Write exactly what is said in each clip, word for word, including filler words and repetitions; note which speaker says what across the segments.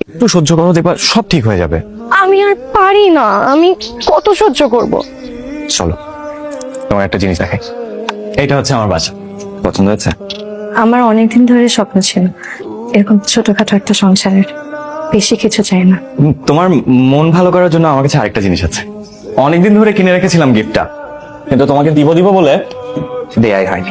Speaker 1: একটু সহ্য করো, দেখবা সব ঠিক হয়ে যাবে।
Speaker 2: আমি আর পারি না, আমি কত সহ্য করব।
Speaker 1: চলো তোমার একটা জিনিস দেখাই। এইটা হচ্ছে আমার বাসা, পছন্দ হয়েছে?
Speaker 2: আমার অনেকদিন ধরে স্বপ্ন ছিল এরকম ছোটখাটো একটা সংসারের, বেশি কিছু চাই না।
Speaker 1: উম, তোমার মন ভালো করার জন্য আমার কাছে আরেকটা জিনিস আছে। অনেকদিন ধরে কিনে রেখেছিলাম গিফটটা, কিন্তু তোমাকে দিব দিব বলে দেয়াই হয়নি।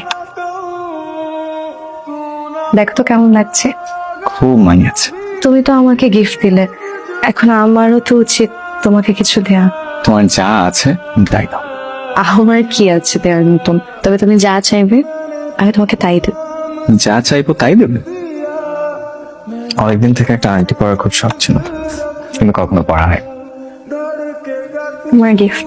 Speaker 2: দেখো তো কেমন লাগছে।
Speaker 1: খুব মানিয়েছে।
Speaker 2: তুমি তো আমাকে গিফট দিলে, এখন আমারও তো উচিত তোমাকে কিছু দেয়া।
Speaker 1: তোমার যা আছে তাই দাও।
Speaker 2: আমার কি আছে দেওয়ার মতন? তবে তুমি যা চাইবে আমি তোমাকে তাই দেব।
Speaker 1: যা চাইবো তাই দেবে? অনেকদিন থেকে একটা আংটি পরার খুব শখ ছিল, কিন্তু কখনো পরা হয়।
Speaker 2: তোমার গিফট।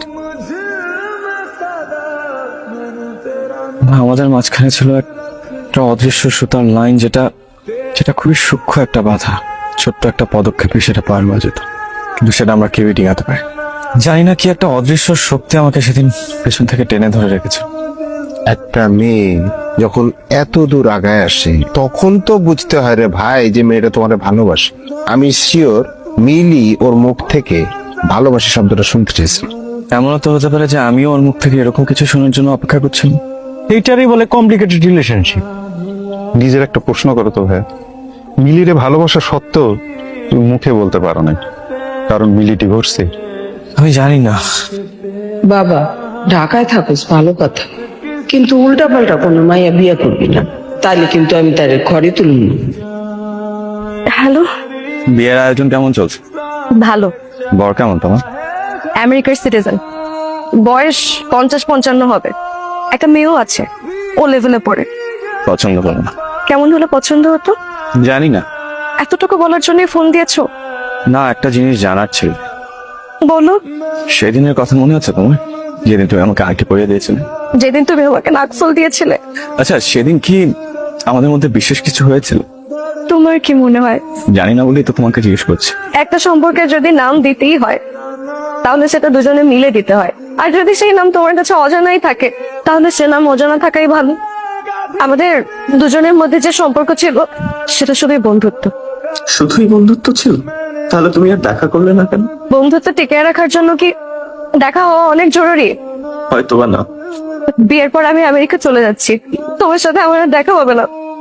Speaker 1: আমাদের মাঝখানে ছিল একটা অদৃশ্য সুতার লাইন, যেটা যেটা খুবই সূক্ষ্ম একটা বাধা। ছোট্ট একটা পদক্ষেপে সেটা পার হওয়া যেত, কিন্তু সেটা আমরা কেউই ডিঙাতে পারি। জানি না কি একটা অদৃশ্য শক্তি আমাকে সেদিন পেছন থেকে টেনে ধরে রেখেছে।
Speaker 3: একটা মেয়ে যখন এত দূর আগায় আসে তখন তো বুঝতে হয় রে ভাই যে মেয়েটা তোমার ভালোবাসে। আমি শিওর মিলি ওর মুখ থেকে ভালোবাসি শব্দটা শুনতে চেয়েছি।
Speaker 1: এমনও তো হতে পারে যে আমিও ওর মুখ থেকে এরকম কিছু শোনার জন্য অপেক্ষা করছিলাম।
Speaker 4: এইটারই বলে কমপ্লিকেটেড রিলেশনশিপ। নিজের একটা প্রশ্ন করো তো ভাই, মিলিরে ভালোবাসা সত্ত্বেও তুমি মুখে বলতে পারো না, কারণ মিলি ডিভোর্সে।
Speaker 1: আমি জানি না।
Speaker 5: বাবা, ঢাকায় থাকোস ভালো কথা, কিন্তু উল্টা পাল্টা কোনো মাইয়া বিয়ে করবি না, তাইলে কিন্তু আমি তার ঘরে তুলব না।
Speaker 2: হ্যালো।
Speaker 1: বিয়ের আয়োজন কেমন চলছে?
Speaker 2: ভালো।
Speaker 1: বর কেমন তোমার?
Speaker 2: আমেরিকার সিটিজেন, বয়স পঞ্চাশ পঞ্চান্ন হবে। একটা মেয়েও আছে, ও লেভেলে পড়ে।
Speaker 1: পছন্দ করো না?
Speaker 2: কেমন হলে পছন্দ হতো?
Speaker 1: জানি না।
Speaker 2: এতটুকু বলার জন্য ফোন দিয়েছো?
Speaker 1: না, একটা জিনিস জানার ছিল।
Speaker 2: বলো।
Speaker 1: সেদিনের কথা মনে আছে তোমার, যেদিন তুমি আমাকে আংটি পরিয়ে দিয়েছিলে?
Speaker 2: যেদিন তুমি আমাকে নাকফল দিয়েছিলে।
Speaker 1: আচ্ছা, সেদিন কি আমাদের মধ্যে বিশেষ কিছু হয়েছিল?
Speaker 2: তোমার কি মনে হয়?
Speaker 1: জানি না বলেই তো তোমাকে জিজ্ঞেস করছি।
Speaker 2: একটা সম্পর্কে যদি নাম দিতেই হয় তাহলে সেটা দুজনে মিলে দিতে হয়, আর যদি সেই নাম তোমার কাছে অজানাই থাকে তাহলে সে নাম অজানা থাকাই ভালো। আমাদের দুজনের মধ্যে যে সম্পর্ক ছিল সেটা শুধুই বন্ধুত্ব।
Speaker 1: শুধুই বন্ধুত্ব ছিল? তাহলে তুমি আর দেখা করলে না কেন?
Speaker 2: বন্ধুত্ব টিকিয়ে রাখার জন্য কি দেখা হওয়া অনেক জরুরি?
Speaker 1: হয়তো বা না।
Speaker 2: বিয়ের পর আমি আমেরিকা চলে যাচ্ছি, তোমার সাথে আমার আর দেখা হবে না।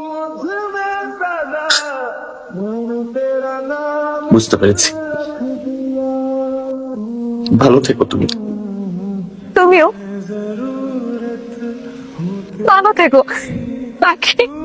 Speaker 1: বুঝতে পেরেছি। ভালো থেকো তুমি।
Speaker 2: তুমিও ভালো থেকো। বাকি